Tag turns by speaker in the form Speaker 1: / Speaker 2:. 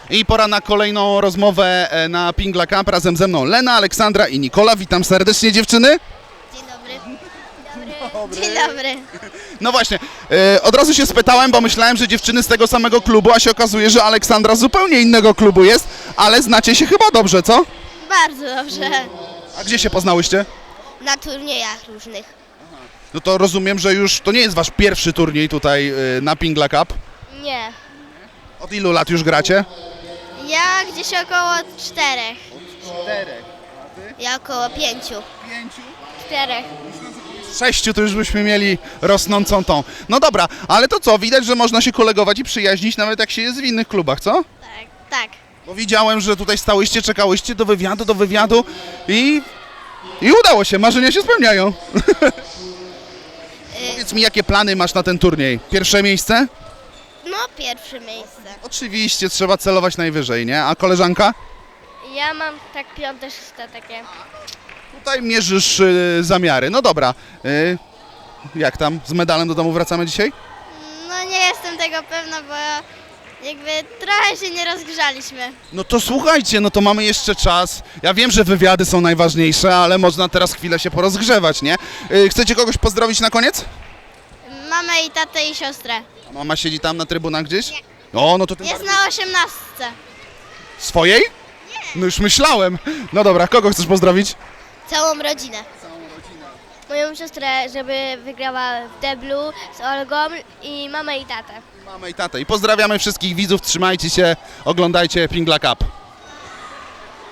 Speaker 1: I pora na kolejną rozmowę na Pingla Cup. Razem ze mną Lena, Aleksandra i Nikola. Witam serdecznie, dziewczyny.
Speaker 2: Dzień dobry. Dzień dobry.
Speaker 1: No właśnie, od razu się spytałem, bo myślałem, że dziewczyny z tego samego klubu, a się okazuje, że Aleksandra z zupełnie innego klubu jest, ale znacie się chyba dobrze, co?
Speaker 2: Bardzo dobrze.
Speaker 1: A gdzie się poznałyście?
Speaker 2: Na turniejach różnych.
Speaker 1: No to rozumiem, że już to nie jest wasz pierwszy turniej tutaj na Pingla Cup.
Speaker 2: Nie.
Speaker 1: Od ilu lat już gracie?
Speaker 2: Ja gdzieś około 4.
Speaker 1: 4.
Speaker 2: Ja około 5.
Speaker 1: 5.
Speaker 2: 4.
Speaker 1: 6 to już byśmy mieli rosnącą tą. No dobra, ale to co, widać, że można się kolegować i przyjaźnić nawet jak się jest w innych klubach, co?
Speaker 2: Tak. Tak.
Speaker 1: Bo widziałem, że tutaj stałyście, czekałyście do wywiadu i udało się, marzenia się spełniają. Powiedz mi, jakie plany masz na ten turniej? Pierwsze miejsce?
Speaker 2: No, pierwsze miejsce.
Speaker 1: Oczywiście, trzeba celować najwyżej, nie? A koleżanka?
Speaker 2: Ja mam tak 5, 6 takie.
Speaker 1: Tutaj mierzysz zamiary. No dobra. Jak tam? Z medalem do domu wracamy dzisiaj?
Speaker 2: No nie jestem tego pewna, bo jakby trochę się nie rozgrzaliśmy.
Speaker 1: No to słuchajcie, no to mamy jeszcze czas. Ja wiem, że wywiady są najważniejsze, ale można teraz chwilę się porozgrzewać, nie? Chcecie kogoś pozdrowić na koniec?
Speaker 2: Mamę i tatę i siostrę.
Speaker 1: A mama siedzi tam na trybunach gdzieś? O, no to tym
Speaker 2: Jest
Speaker 1: bardziej.
Speaker 2: na 18.
Speaker 1: Swojej? Nie. No już myślałem. No dobra, kogo chcesz pozdrowić?
Speaker 2: Całą rodzinę. Moją siostrę, żeby wygrała w deblu z Olgą i mamę i tatę.
Speaker 1: Mamę i tatę. I pozdrawiamy wszystkich widzów, trzymajcie się, oglądajcie Pingla Cup.